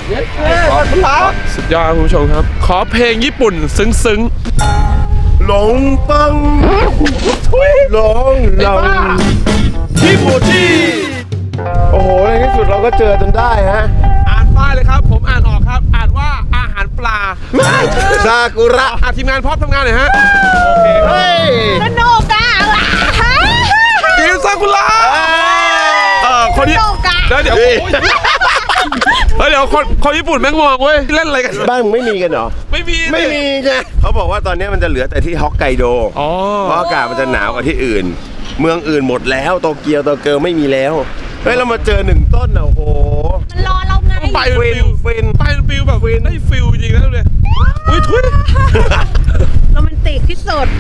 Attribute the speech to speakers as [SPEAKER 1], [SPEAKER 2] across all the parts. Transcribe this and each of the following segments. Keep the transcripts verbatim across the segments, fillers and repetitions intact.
[SPEAKER 1] เย้สุดยอดคุณผู้ชมครับขอเพลงญี่ปุ่นซึ้งๆหลงปังหลงหลงที่บูจีโอ้โหในที่สุดเราก็เจอจนได้ฮะอ่านป้ายเลยครับผมอ่านออกครับอ่านว่าอาหารปลาซากุระทีมงานพร้อมทำงานหน่อยฮะโอเคเฮ้ย
[SPEAKER 2] สนุกอ่ะ
[SPEAKER 1] ทีมซากุระเออคนนี้แล้วเดี๋ยวแล้วเดี๋ยวคนคนญี่ปุ่นแม่งมองเว้ยเล่นอะไรกัน
[SPEAKER 3] บ้านมึงไม่มีกันเหรอ
[SPEAKER 1] ไม่มี
[SPEAKER 3] ไม่มีไงเขาบอกว่าตอนนี้มันจะเหลือแต่ที่ฮอกไกโดเพราะอากาศมันจะหนาวกว่าที่อื่นเมืองอื่นหมดแล้วโตเกียวโตเกียวไม่มีแล้วเฮ้ยเรามาเจอหนึ่งต้นอ่ะโอ้โห
[SPEAKER 2] มันรอเราไง
[SPEAKER 1] ไปฟิลฟิลไปฟิลแบบฟิลได้ฟิลจริงๆนะเลยอุ้ยทุย
[SPEAKER 2] โรแมนติกที่สุด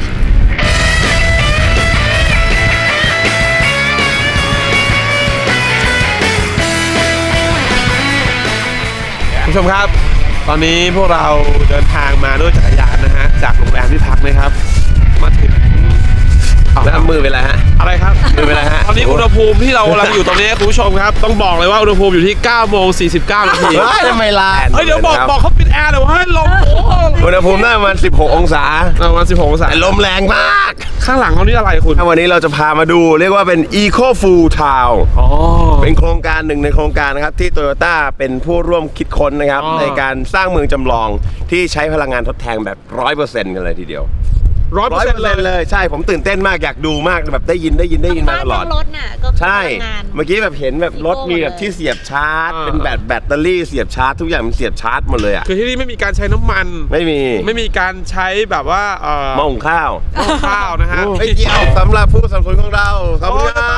[SPEAKER 1] ผู้ชมครับตอนนี้พวกเราเดินทางมาด้วยจักรยานนะฮะจากโรงแรมที่พักนะครับมาถึง
[SPEAKER 3] แล้วมือเป็นไรฮะ
[SPEAKER 1] อะไรครับ
[SPEAKER 3] มือเป็นไรฮะ
[SPEAKER 1] ตอนนี้อุณหภูมิที่เรากำลังอยู่ตรงนี้คุณผู้ชมครับต้องบอกเลยว่าอุณหภูมิอยู่ที่เก้าโมงสี่สิบเก้านาที
[SPEAKER 3] ทำไมล่ะ
[SPEAKER 1] เฮ้ยเดี๋ยวบอกบอกเขาปิดแอร์เลยว่าให้ลม
[SPEAKER 3] อุณหภูมิน่าประมาณสิบหกองศา
[SPEAKER 1] ประมาณสิบหกองศา
[SPEAKER 3] ลมแรงมาก
[SPEAKER 1] ข้างหลังเขานี่อะไรคุณ
[SPEAKER 3] วันนี้เราจะพามาดูเรียกว่าเป็น Eco Full Town เป็นโครงการหนึ่งในโครงการนะครับที่ Toyota เป็นผู้ร่วมคิดค้นนะครับในการสร้างเมืองจำลองที่ใช้พลังงานทดแทนแบบ ร้อยเปอร์เซ็นต์ กันเลยทีเดียว
[SPEAKER 1] ร้อยเปอร์เซ็นต์
[SPEAKER 3] เลยใช่ผมตื่นเต้นมากอยากดูมากแบบได้ยินได้ยินได้ยินมาตลอด
[SPEAKER 2] รถน่ะก็
[SPEAKER 3] ใช่เมื่อกี้แบบเห็นแบบรถมีแบบที่เสียบชาร์จเป็นแบตแบตเตอรี่เสียบชาร์จทุกอย่างมันเสียบชาร์จหมดเลยอ่ะ
[SPEAKER 1] คือที่นี่ไม่มีการใช้น้ำมัน
[SPEAKER 3] ไม่มี
[SPEAKER 1] ไม่มีการใช้แบบว่าเอ่อ
[SPEAKER 3] หม้อหุงข้าว
[SPEAKER 1] หม้อหุงข้าวนะฮะ
[SPEAKER 3] ไม่เกี่ยวสำหรับผู้สนับสนุนของเราขอบคุณครับ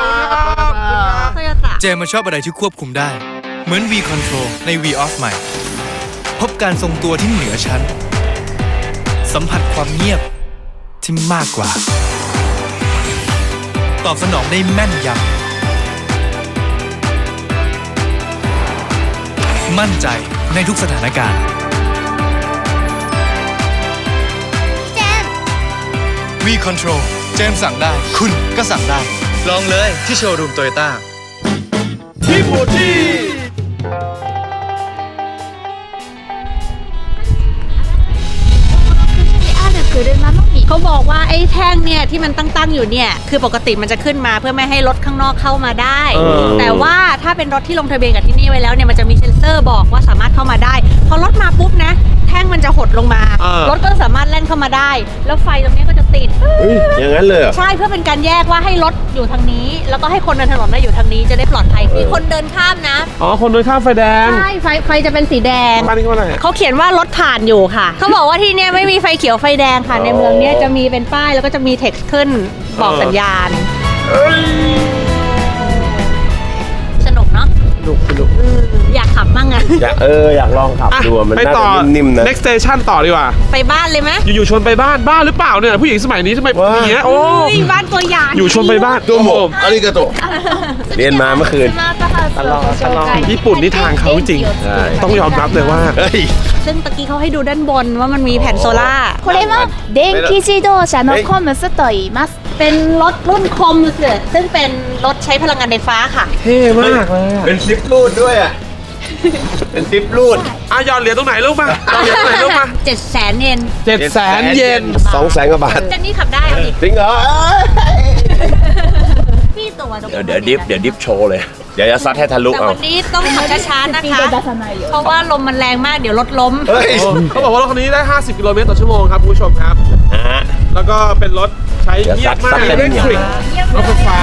[SPEAKER 4] เจมมันชอบอะไรที่ควบคุมได้เหมือน V Control ใน V Off ใหม่พบการทรงตัวที่เหนือชั้นสัมผัสความเงียบที่มากกว่าตอบสนองได้แม่นยำมั่นใจในทุกสถานการณ์เจม V Control เจมสั่งได้คุณก็สั่งได้ลองเลยที่โชว์รูมโตโยต้า
[SPEAKER 1] ที่บูจี
[SPEAKER 2] เขาบอกว่าไอ้แท่งเนี่ยที่มันตั้งๆอยู่เนี่ยคือปกติมันจะขึ้นมาเพื่อไม่ให้รถข้างนอกเข้ามาได้แต่ว่าถ้าเป็นรถที่ลงทะเบียนกับที่นี่ไว้แล้วเนี่ยมันจะมีเซ็นเซอร์บอกว่าสามารถเข้ามาได้พอรถมาปุ๊บนะแท่งมันจะหดลงมารถก็สามารถแล่นเข้ามาได้แล้วไฟตรงนี้ก็จะติด
[SPEAKER 3] อย่างนั้นเลย
[SPEAKER 2] ใช่เพื่อเป็นการแยกว่าให้รถอยู่ทางนี้แล้วก็ให้คนเดินถนนได้อยู่ทางนี้จะได้ปลอดภัยมีคนเดินข้ามนะ
[SPEAKER 1] อ๋อคนเดินข้ามไฟแดง
[SPEAKER 2] ใช่ไฟไฟจะเป็นสีแดงเขาเขียนว่ารถผ่านอยู่ค่ะเขาบอกว่าที่เนี่ยไม่มีไฟเขียวไฟแดงค่ะในเมืองเนี้ยจะมีเป็นป้ายแล้วก็จะมีเท็กซ์ขึ้นบอกสัญญาณสนุกเนาะ
[SPEAKER 1] สนุกสนุก
[SPEAKER 2] อยากขับมั่งอ่ะ
[SPEAKER 3] อยากเอออยากลองขับดูมันน่าจะนิ่มๆนะ
[SPEAKER 1] next station ต่อดีกว่า
[SPEAKER 2] ไปบ้านเลยไหม
[SPEAKER 1] อยู่ๆชวนไปบ้านบ้านหรือเปล่าเนี่ยผู้หญิงสมัยนี้ทำไมอย่างเงี้ยโอ้
[SPEAKER 2] ยบ้านตัวใหญ่
[SPEAKER 1] อยู่ชวนไปบ้าน
[SPEAKER 3] ตัวหมกอาริกาโตเรียนมาเมื่อคืน
[SPEAKER 1] ตลอดตลอดญี่ปุ่นนี่ทางเขาจริงต้องยอมรับเลยว่า
[SPEAKER 2] ซึ่งตะกี้เขาให้ดูด้านบนว่ามันมีแผ่นโซล่า
[SPEAKER 5] これは電気自動車のコムスと言います
[SPEAKER 2] เป็นรถรุ่นคอมส์ซึ่งเป็นรถใช้พลังงานไฟฟ้าค่ะ
[SPEAKER 1] เท่มากเลย
[SPEAKER 3] เป็นซิปรูดด้วยอ่ะเป็นซิปรูด
[SPEAKER 1] อ่ะยอดเหรียญตรงไหนลูกมาตรงไหนลูกมา
[SPEAKER 2] เจ็ดแสนเยน
[SPEAKER 1] เจ็ดแสนเยน
[SPEAKER 3] สองแสนกว่าบาท
[SPEAKER 2] เจนนี่ขับได้เอาดิ
[SPEAKER 3] จริงเหรอ
[SPEAKER 2] พี่ตัว
[SPEAKER 3] เดี๋ยวเดี๋ยวดิฟเดี๋ยวดิฟโชว์เลยเดี๋ยวจะซัดให้ทะลุ
[SPEAKER 2] เอาแต่วันนี้ต้องขับช้าๆนะคะเพราะว่าลมมันแรงมากเดี๋ยวรถล้ม
[SPEAKER 1] เขาบอกว่ารถคันนี้ได้ห้าสิบกิโลเมตรต่อชั่วโมงครับคุณผู้ชมครับแล้วก็เป็นรถใช้เงียบมากเร่งคลิกรถไฟฟ้า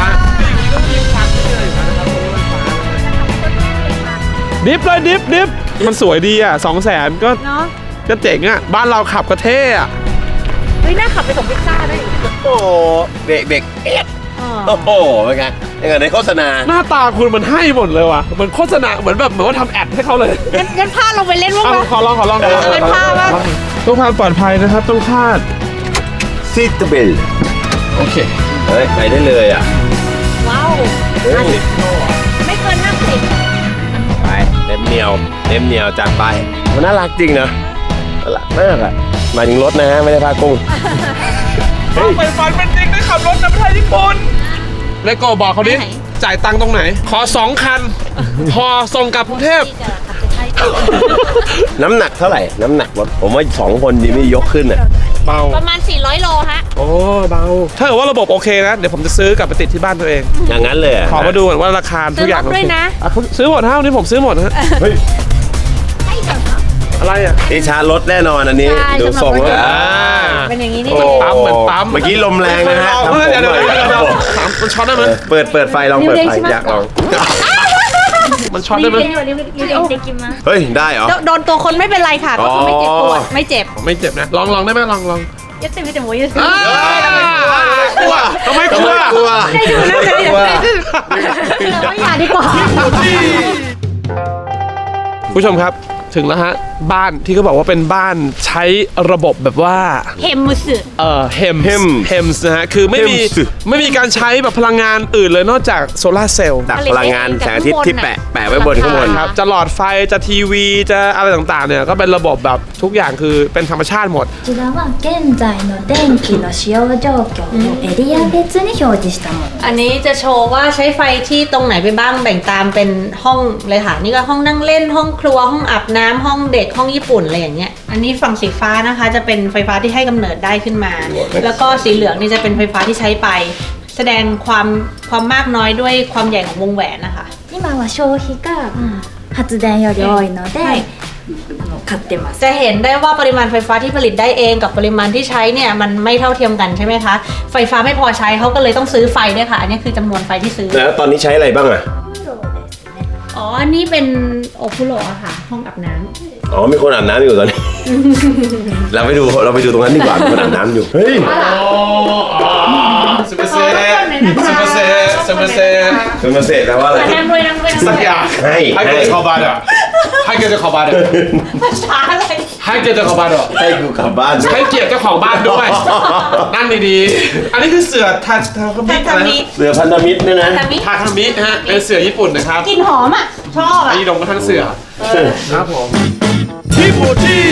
[SPEAKER 1] ดิฟเลยดิฟดิฟมันสวยดีอ่ะสองแสนก็ก็เจ๋งอ่ะบ้านเราขับก็เท่อ่ะ
[SPEAKER 2] เฮ้ยน่าขับไปส่งพิซซ่าได้
[SPEAKER 3] โอ้เบรกเบรกเอ็ดโอ้โหเป็นไงยังไงในโฆษณา
[SPEAKER 1] หน้าตาคุณมันให้หมดเลยว่ะมันโฆษณาเหมือนแบบเหมือนว่าทำแอดให้เขาเลย
[SPEAKER 2] งั้นงั้นพาลงไปเล่นว่าง
[SPEAKER 1] ขอลองขอลอง
[SPEAKER 2] เป็นพาบ้าง
[SPEAKER 1] ต้องความปลอดภัยนะครับต้องคาด
[SPEAKER 3] ซีทเบล
[SPEAKER 1] โอเค
[SPEAKER 3] เฮ้ยไปได้เลยอ่ะ
[SPEAKER 2] ว้าวไม่เกินห้าสิบ
[SPEAKER 3] ไปเต็มเหนียวเต็มเหนียวจัดไปมันน่ารักจริงนะน่ารักมากอ่ะมาถึงรถนะฮะไม่ได้พากุ้ง
[SPEAKER 1] ไปฝันเป็นจริงได้ขับรถในประเทศญี่ปุ่นเลโก้บอกเขาดิจ่ายตังค์ตรงไหนขอสองคันพอส่งกลับกรุงเทพ
[SPEAKER 3] น้ำหนักเท่าไหร่น้ำหนักรถผมว่าสองคนดีไม่ยกขึ้นอ่ะ
[SPEAKER 1] เบา
[SPEAKER 2] ประมาณสี่ร้อยโลฮะ
[SPEAKER 1] โอ้เบาถ้าเกิดว่าระบบโอเคนะเดี๋ยวผมจะซื้อกลับไปติดที่บ้านตัวเอง
[SPEAKER 3] อย่างนั้นเลยะ
[SPEAKER 1] ขอมาดูก่อนว่าราคาทุกอย่าง
[SPEAKER 2] ซื้อรถด้วยนะ
[SPEAKER 1] อ่เขาซื้อหมดฮะวันนี้ผมซื้อหมดฮะ
[SPEAKER 3] เฮ้ย
[SPEAKER 1] อะไรอ่ะ
[SPEAKER 3] นี่ชาร์จรถแน่นอนอันนี้
[SPEAKER 2] ใช่
[SPEAKER 3] ดูทรงแล้ว
[SPEAKER 1] อ่า
[SPEAKER 2] เป็นอย่างนี้นี่
[SPEAKER 3] โอ้
[SPEAKER 2] เอง
[SPEAKER 1] ปั๊มเหมือนปั๊ม
[SPEAKER 3] เมื่อกี้ลมแรงนะฮะ
[SPEAKER 1] เออเดี๋ยวเดี๋ยวเดี๋ยวเดี๋ยวถามมันช็อตได้ไหม
[SPEAKER 3] เปิดเปิดไฟลองเปิดไฟอยากลอง
[SPEAKER 1] มันช็อตได้ไหม
[SPEAKER 3] เฮ้ยได้เหรอ
[SPEAKER 2] โดนตัวคนไม่เป็นไรค่ะ ก็คือไม่เจ็บปวดไม่เจ็บ
[SPEAKER 1] ไม่เจ็บนะลองลองได้ไหมลองลอง
[SPEAKER 2] ยัดเต็มที่แต่หมูยัดเต็ม
[SPEAKER 1] อ้าวกลัวทำไมกลัว
[SPEAKER 3] กลัว
[SPEAKER 2] ได้ดูนะได้ดูนะเราอย่าดีกว่า
[SPEAKER 1] ผู้ชมครับถึงแล้วฮะบ้านที่เขาบอกว่าเป็นบ้านใช้ระบบแบบว่า
[SPEAKER 2] เฮมมุสึ
[SPEAKER 1] เอ่อเฮม
[SPEAKER 3] Hems
[SPEAKER 1] เฮมส์นะฮะคือไม่มี
[SPEAKER 3] Hems
[SPEAKER 1] ไม่มีการใช้แบบพลังงานอื่นเลยนอกจากโซลาร์เซลล์
[SPEAKER 3] ตักพลังงานแสงอาทิตย์ที่แปะแปะไว้บนข้างบน
[SPEAKER 1] ครับจะหลอดไฟจะทีวีจะอะไรต่างๆเนี่ยก็เป็นระบบแบบทุกอย่างคือเป็นธรรมชาติหมด
[SPEAKER 5] こちらは現在の電気の使用状況をエリア別に表示したもの。
[SPEAKER 2] อันนี้จะโชว์ว่าใช้ไฟที่ตรงไหนไปบ้างแบ่งตามเป็นห้องเลยค่ะนี่ก็ห้องนั่งเล่นห้องครัวห้องอาบน้ำห้องเด็กห้องญี่ปุ่นอะไรอย่างเงี้ยอันนี้ฝั่งสีฟ้านะคะจะเป็นไฟฟ้าที่ให้กำเนิดได้ขึ้นมา แล้วก็สีเหลืองนี่จะเป็นไฟฟ้าที่ใช้ไป แสดงความความมากน้อยด้วยความใหญ่ของวงแหวนนะคะ
[SPEAKER 5] 今は消費が発電より多いので、
[SPEAKER 2] はい
[SPEAKER 5] あの買ってます。
[SPEAKER 2] จะเห็นได้ว่าปริมาณไฟฟ้าที่ผลิตได้เองกับปริมาณที่ใช้เนี่ยมันไม่เท่าเทียมกันใช่ไหมคะไฟฟ้าไม่พอใช้เขาก็เลยต้องซื้อไฟด้วยค่ะอันนี้คือจำนวนไฟที่ซื้อ
[SPEAKER 3] แล้วตอนนี้ใช้อะไรบ้างอ่ะ
[SPEAKER 2] อ๋ออันนี้เป็นโอคุโระค่ะห้องอาบน้ำ
[SPEAKER 3] อ๋อมีคนอาบน้ำอยู่ตอนนี้ เราไปดูเราไปดูตรงนั้นดีกว่ามีคนอาบน้ำอยู่เฮ้ย
[SPEAKER 1] สเปเซ่สเปเซ่สเปเซ่
[SPEAKER 3] เป็นมาเสร็จแล้วว่าอะไร
[SPEAKER 2] นั่งด้วยนั่งด้วยนั่ง
[SPEAKER 1] สัก
[SPEAKER 2] ด้วย
[SPEAKER 1] อย่าง
[SPEAKER 3] ให้
[SPEAKER 1] ให้
[SPEAKER 3] ให้
[SPEAKER 1] เกิดขอบาดอ่ะให้เกียรติเจ้าของบ้านอ่ะ
[SPEAKER 2] ภาษาอะไร
[SPEAKER 1] ให้เกียรติเจ้าของบ้านอ่ะ
[SPEAKER 3] ให้กูกลับบ้าน
[SPEAKER 1] ให้เกียรติเจ้าของบ้านด้วยนั่งดีๆอันนี้คือเสือทาทาคามิ
[SPEAKER 2] ทา
[SPEAKER 1] อะไร
[SPEAKER 2] มิ
[SPEAKER 1] นะ
[SPEAKER 3] เสือพันธมิตรเนี่ยนะ
[SPEAKER 2] ทามิ
[SPEAKER 1] ทาคามิฮะเป็นเสือญี่ปุ่นนะครับ
[SPEAKER 2] กลิ่นหอมอ่ะ ชอบอ่ะ
[SPEAKER 1] ไอ้ดงก็ทั้งเสือครับผมที่บูที่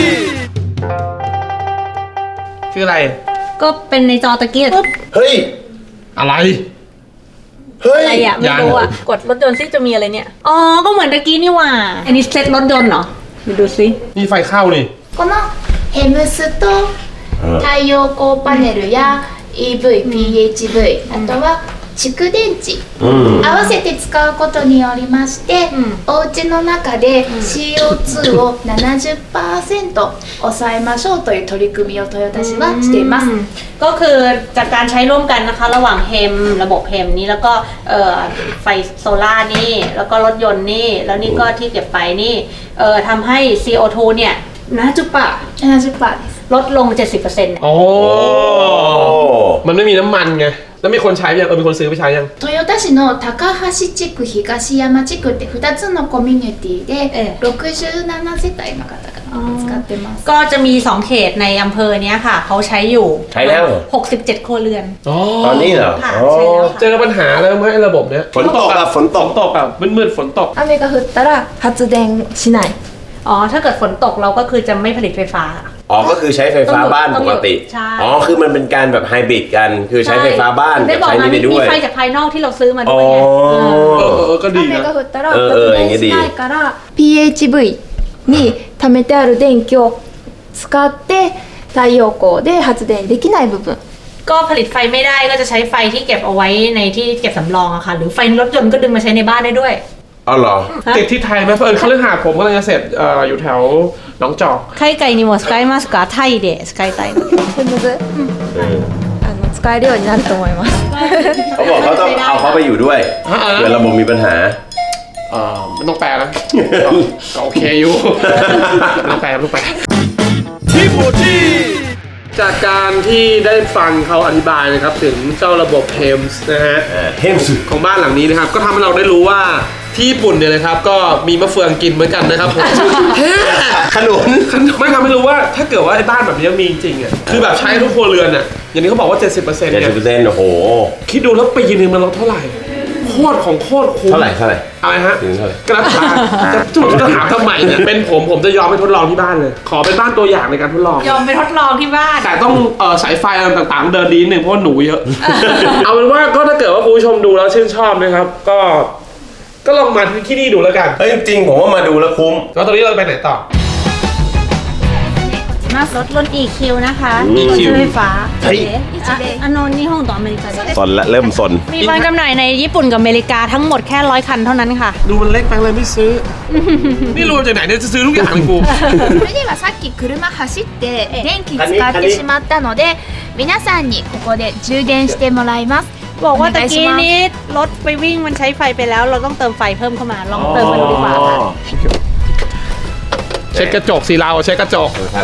[SPEAKER 1] คืออะไร
[SPEAKER 2] ก็เป็นในจอตะเกียบ
[SPEAKER 3] เฮ้ย
[SPEAKER 1] อะไร
[SPEAKER 3] เฮ้ย
[SPEAKER 2] อะไรอ่ะ ไม่รู้อ่ะ กดรถยนต์ซิจะมีอะไรเนี่ย อ๋อ ก็เหมือนตะกี้นี่หว่า อันนี้เซ็ตรถยนต์เหรอมาดูซิ
[SPEAKER 1] นี่ไฟเข้านี่
[SPEAKER 5] このヘムスと太陽光パネルや イーブイ、ピーエイチブイ、あとは蓄電池、合わせて使うことによりまして、お家の中で シーオーツー を ななじゅっパーセント 抑えましょうという取り組みをトヨタ市はしています。
[SPEAKER 2] ก็คือจากการใช้ร่วมกันนะคะ ระหว่างเฮมระบบเฮมนี้แล้วก็เอ่อไฟโซล่าร์นี่ แล้วก็รถยนต์นี่ แล้วนี่ก็ที่เก็บไปนี่เอ่อทำให้ ซี โอ ทู เนี่ยนะจุปะ
[SPEAKER 5] ななじゅっパーセント です。
[SPEAKER 2] ลดลง เจ็ดสิบเปอร์เซ็นต์ เนี่ย
[SPEAKER 1] โอ้มันไม่มีน้ำมันไง แล้วมีคนใช้ยังเออมีคนซื้อไปใช้ยัง
[SPEAKER 5] 豊田市の高橋地区、東山地区ってふたつのコミュニティで
[SPEAKER 2] ええ
[SPEAKER 5] ろくじゅうななせたいの方が使ってます。
[SPEAKER 2] ก็จะมีสองเขตในอำเภอเนี้ยค่ะ เขาใช้อยู่
[SPEAKER 3] ใช้แล้วเหรอ
[SPEAKER 2] หกสิบเจ็ดครัวเรือน
[SPEAKER 1] อ๋อ
[SPEAKER 3] ตอนนี้เหรอ
[SPEAKER 2] ค่ะ
[SPEAKER 3] อ๋อ
[SPEAKER 2] ใช่แล้วค่ะ
[SPEAKER 1] เจอปัญหาแล้วไหมไอ้ระบบเนี้ย
[SPEAKER 3] ฝนตกอะฝนต
[SPEAKER 1] ฝ
[SPEAKER 3] ก
[SPEAKER 1] นตกอะมืดๆฝนตก
[SPEAKER 6] 雨が降ったら発電しない。
[SPEAKER 2] อ๋อ ถ้าเกิดฝนตกเราก็คือจะไม่ผลิตไฟฟ้า
[SPEAKER 3] อ๋อก็คือใช้ไฟฟ้าบ้านปกติ
[SPEAKER 2] ใช่
[SPEAKER 3] อ๋อคือมันเป็นการแบบไฮบริดกัน คือใช้ไฟฟ้าบ้าน
[SPEAKER 2] ได้
[SPEAKER 3] กับ
[SPEAKER 2] บอก
[SPEAKER 3] ใช้
[SPEAKER 2] มา
[SPEAKER 3] นี่ไป
[SPEAKER 2] มี
[SPEAKER 3] ด้วย
[SPEAKER 2] ไฟจากภายนอกที่เราซื้อมา
[SPEAKER 3] อ๋
[SPEAKER 2] ด้
[SPEAKER 3] อ
[SPEAKER 2] วยไงเออ
[SPEAKER 1] เออเออเออก็ดี
[SPEAKER 6] 雨
[SPEAKER 1] นะ
[SPEAKER 6] が降ったら
[SPEAKER 3] うんうん
[SPEAKER 6] 発電しないから ピーエイチブイ に貯めてある電気を使って太陽光で発電できない部分。
[SPEAKER 2] ก็ผลิตไฟไม่ได้ก็จะใช้ไฟที่เก็บเอาไว้ในที่เก็บสำรองอะค่ะ หรือไฟรถยนต์ก็ดึงมาใช้ในบ้านได้ด้วย
[SPEAKER 3] อ๋อเหรอ
[SPEAKER 1] ติดที่ไทยไหมเพราะเอิญเขาเรื่องหาผมกำลังจะเสร็จเอ่ออยู่แถวหนองจอก
[SPEAKER 2] 海外にも使えますかタイで使いたいの
[SPEAKER 6] スムーズ、あの使えるようになると思います。
[SPEAKER 3] เขาบอกเขาต้องเอาเขาไปอยู่ด้วย
[SPEAKER 1] อ่าๆ
[SPEAKER 3] เผื่อระบบมีปัญหา
[SPEAKER 1] เอ่อไม่ต้องแปลนะก็ก็โอเคอยู่ ไม่ต้องแปลไม่ต้องแปลที่บูที่จากการที่ได้ฟังเขาอธิบายนะครับถึงเจ้าระบบเทมส์นะฮะ
[SPEAKER 3] เทมสุด
[SPEAKER 1] ของบ้านหลังนี้นะครับ ก็ทำให้เราได้รู้ว่าที่ญี่ปุ่นเนี่ยนะครับ ก็มีมะเฟืองกินเหมือนกันนะครับผมเฮ้
[SPEAKER 3] ขนุน
[SPEAKER 1] ไม่ทำให้รู้ว่าถ้าเกิดว่าไอ้บ้านแบบนี้มีจริงๆอ่ะคือแบบใช้ทุกครัวเรือนอ่ะอย่างนี้เขาบอกว่า เจ็ดสิบเปอร์เซ็นต์
[SPEAKER 3] เจ็ด
[SPEAKER 1] เนี่
[SPEAKER 3] สิบเปอร์
[SPEAKER 1] ย
[SPEAKER 3] เซ็นต์โอ้โห
[SPEAKER 1] คิดดูแล้วปีนึงมันลดเท่าไหร่โคตรของโคตรคุ้ม
[SPEAKER 3] เท่าไหร่เท่าไหร่
[SPEAKER 1] อะไรฮะ
[SPEAKER 3] ถึงเท่าไหร่
[SPEAKER 1] กระถางจะจุดจะถามทำไมเนี่ยเป็นผมผมจะยอมไปทดลองที่บ้านเลย ขอเป็นบ้านตัวอย่างในการทดลอง
[SPEAKER 2] ยอมไปทดลองที่บ้าน
[SPEAKER 1] แต่ต้องเออสายไฟอะไรต่างๆ เดินดีนิดนึงเพราะว่าหนูเยอะ เอาเป็นว่าก็ถ้าเกิดว่าคุณผู้ชมดูแล้วชื่นชอบนะครับ ก็ก็ลองมาที่นี่ดูแล้วกัน
[SPEAKER 3] เฮ้ยจริงๆผมว่ามาดูแล้วคุ้ม
[SPEAKER 1] แล้วตอนนี้เราไปไหนต่อ
[SPEAKER 2] รถรถ อี คิว นะคะ
[SPEAKER 3] อี คิว
[SPEAKER 2] รถไฟฟ้า
[SPEAKER 3] เฮ้ย
[SPEAKER 2] อ่ะอันโนนนี่ห้องต่ออเมริกาเด
[SPEAKER 3] สนละเริ่มสน
[SPEAKER 2] มีวางจำหน่ายในญี่ปุ่นกับอเมริกาทั้งหมดแค่ร้อยคันเท่านั้นค่ะ
[SPEAKER 1] ดูมันเล็กไปเลยไม่ซื้อ นี่รวมจากไหนเนี่ยจะซื้อทุกอย่างเลยกู
[SPEAKER 5] それではさっき車走って電気使ってしまったので皆さんにここで充電してもらいます
[SPEAKER 2] บอกว่า
[SPEAKER 5] お
[SPEAKER 2] ตะ
[SPEAKER 5] 願いし
[SPEAKER 2] กี้
[SPEAKER 5] ます
[SPEAKER 2] นี้รถไปวิ่งมันใช้ไฟไปแล้ว เราต้องเติมไฟเพิ่มเข้ามา ลองเติมมาดูดีกว่าค่ะ
[SPEAKER 1] เช็ดกระจกสิเราเช็ดกระจก
[SPEAKER 3] ครับ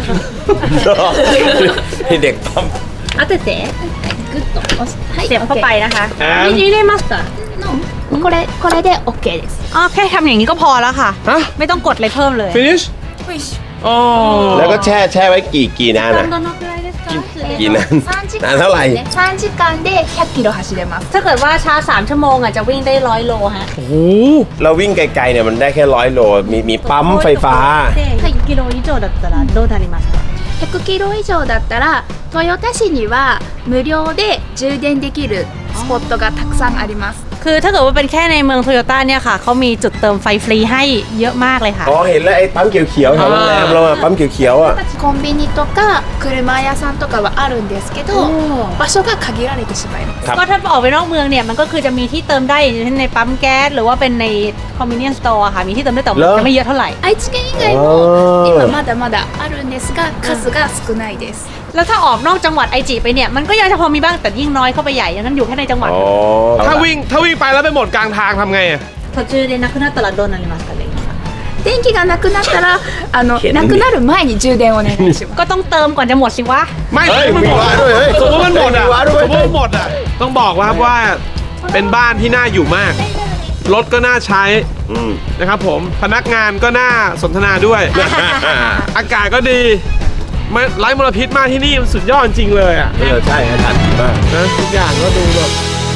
[SPEAKER 3] นี่เด็กปั๊ม
[SPEAKER 2] เอาแต่เจ๊
[SPEAKER 5] グッと押すはい
[SPEAKER 2] เสียบเข้าไปนะคะ
[SPEAKER 1] And
[SPEAKER 2] นี่ได้มาสเตอร์
[SPEAKER 5] これこれで OK です
[SPEAKER 2] อ๋อแค่ทำอย่างนี้ก็พอแล้วค่ะ
[SPEAKER 1] ฮะ
[SPEAKER 2] ไม่ต้องกดอะไรเพิ่มเลย
[SPEAKER 1] finish อ๋อ
[SPEAKER 3] แล้วก็แช่แช่ไว้กี่กี่นานอ่ะ กี่นาน
[SPEAKER 5] さんじ
[SPEAKER 3] นานเท่าไหร่
[SPEAKER 5] さんじかんでひゃっキロ走れます
[SPEAKER 2] ถ้าเกิดว่าชาร์จสามชั่วโมงอ่ะจะวิ่งได้ร้อยโลฮะ
[SPEAKER 1] โอ้โห
[SPEAKER 3] เราวิ่งไกลๆเนี่ยมันได้แค่ร้อยโล มีมีปั๊มไฟฟ้า
[SPEAKER 2] はいกิโล以上だったらどうなりますか
[SPEAKER 5] ひゃくキロ以上だったら豊田市には無料で充電できるスポットがたくさんあります
[SPEAKER 2] คือถ้าเกิดว่าเป็นแค่ในเมืองโตโยต้าเนี่ยค่ะเขามีจุดเติมไฟฟรีให้เยอะมากเลยค่ะ
[SPEAKER 3] อ๋อ เห็นแล้วไอ้ปั๊มเขียวๆแถวโรงแรมเราอะปั๊มเขียวๆอ่ะ
[SPEAKER 5] コンビニとか車屋さんとかはあるんですけど場所が限られてしまいます
[SPEAKER 3] ครับ
[SPEAKER 2] ก็ถ้าออกไปนอกเมืองเนี่ยมันก็คือจะมีที่เติมได้อย่างเช่นในปั๊มแก๊สหรือว่าเป็นใน convenience store อะค่ะมีที่เติมได้แต่ว่า
[SPEAKER 3] เหรอ
[SPEAKER 2] จะไม่เยอะเท่าไหร่
[SPEAKER 5] 愛知県以外も今まだまだあるんですが数が少ないです
[SPEAKER 2] แล้วถ้าออกนอกจังหวัดไอจิไปเนี่ยมันก็ยังจะพอมีบ้างแต่ยิ่งน้อยเข้าไปใหญ่อย่างนั้นอยู่แค่ในจังหวัด
[SPEAKER 3] อ๋อ
[SPEAKER 1] ถ้าวิ่งถ้าวิ่งไปแล้วไปหมดกลางทางทำไงอะ
[SPEAKER 2] 途中でなくなったらどうなりますかね
[SPEAKER 5] 電気がなくなったらあの
[SPEAKER 3] けど
[SPEAKER 5] なくなる前に充電お願いします
[SPEAKER 2] ก็ต้องเติมก่อนจะหมดสิวะ
[SPEAKER 1] ไม่
[SPEAKER 3] เฮ้ย
[SPEAKER 1] มันหมด
[SPEAKER 3] มีวาด้วยเฮ้ย
[SPEAKER 1] สมมติมันหมดอ่ะ
[SPEAKER 3] มีวาด้วย
[SPEAKER 1] สมมติมันหมดอ่ะ ต้องบอกว่าครับว่าเป็นบ้านที่น่าอยู่มาก รถก็น่าใช้
[SPEAKER 3] อืม
[SPEAKER 1] นะครับผม พนักงานก็น่าสนทนาด้วย อากาศก็ดีไม่ไร้มลพิษมากที่นี่มันสุดยอดจริงเลยอ่ะ
[SPEAKER 3] เออใช่อาจารย์ดีมาก
[SPEAKER 1] นะทุกอย่างก็ดูแบบ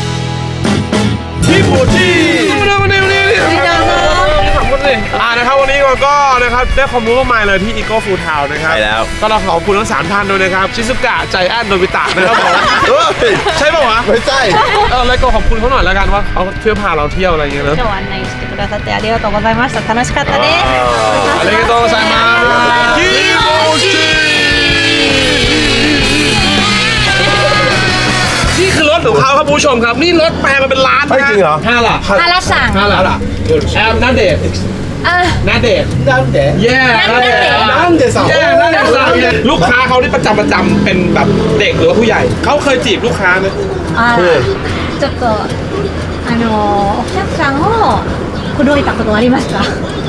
[SPEAKER 1] ที่บูที่มาเร็วมาเร็วมาเร็วมาเร็วขอบคุณเลยอ่านะครับวันนี้เราก็นะครับได้ความรู้มากมายเลยที่ Eco Food Town นะครับ
[SPEAKER 3] ใช่แล้ว
[SPEAKER 1] ก็เราขอบคุณทั้งสามท่านด้วยนะครับ ชิซุกะใจแอนโนบิตะนะครับผม
[SPEAKER 3] เฮ้ย
[SPEAKER 1] ใช่ป่าวะ
[SPEAKER 3] ไม่ใช่
[SPEAKER 1] เออแล้วก็ขอบคุณเขาหน่อยแล้วกันว่าเขาเที่ยวพาเราเที่ยวอะไรอย่างเงี้ยเนอะ
[SPEAKER 2] 今日は案内してくださってありがとうございました楽しかったです
[SPEAKER 1] ありがとうございますキモチนี่คือรถของเขาครับผู้ชมครับ นี่รถแปลมาเป็นล้าน
[SPEAKER 3] เฮ้ยจริงเหรอ
[SPEAKER 1] ห้าหลัก
[SPEAKER 2] ฮาราสั่ง
[SPEAKER 1] ห้าหลักแอมนาเดช
[SPEAKER 2] อ่ะ
[SPEAKER 1] นาเดช
[SPEAKER 3] なんで
[SPEAKER 1] แย่นาเดช
[SPEAKER 3] なんでさ
[SPEAKER 1] แย่นาเดชลูกค้าเขาที่ประจำประจำเป็นแบบเด็กหรือว่าผู้ใหญ่ เขาเคยจีบลูกค้าไหม
[SPEAKER 2] あらちょっとあのお客さんを口説いたことありますか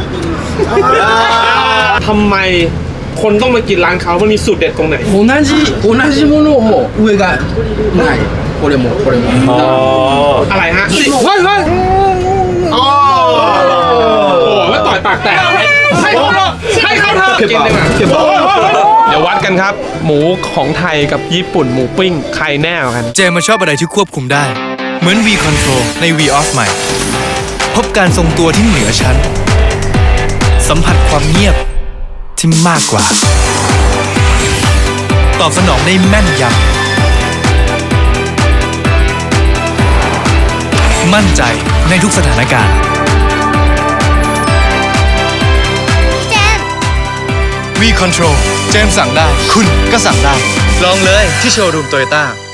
[SPEAKER 1] ทำไมคนต้องมากินร้านเขามันมีสูตรเด็ดตรงไหน
[SPEAKER 7] 同じ同じものを上がないこれもこれも
[SPEAKER 3] อ๋อ
[SPEAKER 1] อะไรฮะเฮ้ยเฮ้ยอ๋อโอ้แล้วต่อยปากแตกให้เขาเถอะให้เขาเถอะกินดีกว่าเดี๋ยววัดกันครับ หมูของไทยกับญี่ปุ่นหมูปิ้งใครแน่กว่ากัน
[SPEAKER 4] เจมส์ชอบอะไรที่ควบคุมได้ เหมือน V Control ใน V Off ใหม่ พบการทรงตัวที่เหนือชั้น สัมผัสความเงียบที่มากกว่า ตอบสนองได้แม่นยำ มั่นใจในทุกสถานการณ์ V Control เจมส์สั่งได้ คุณก็สั่งได้ ลองเลยที่โชว์รูมโตโยต้า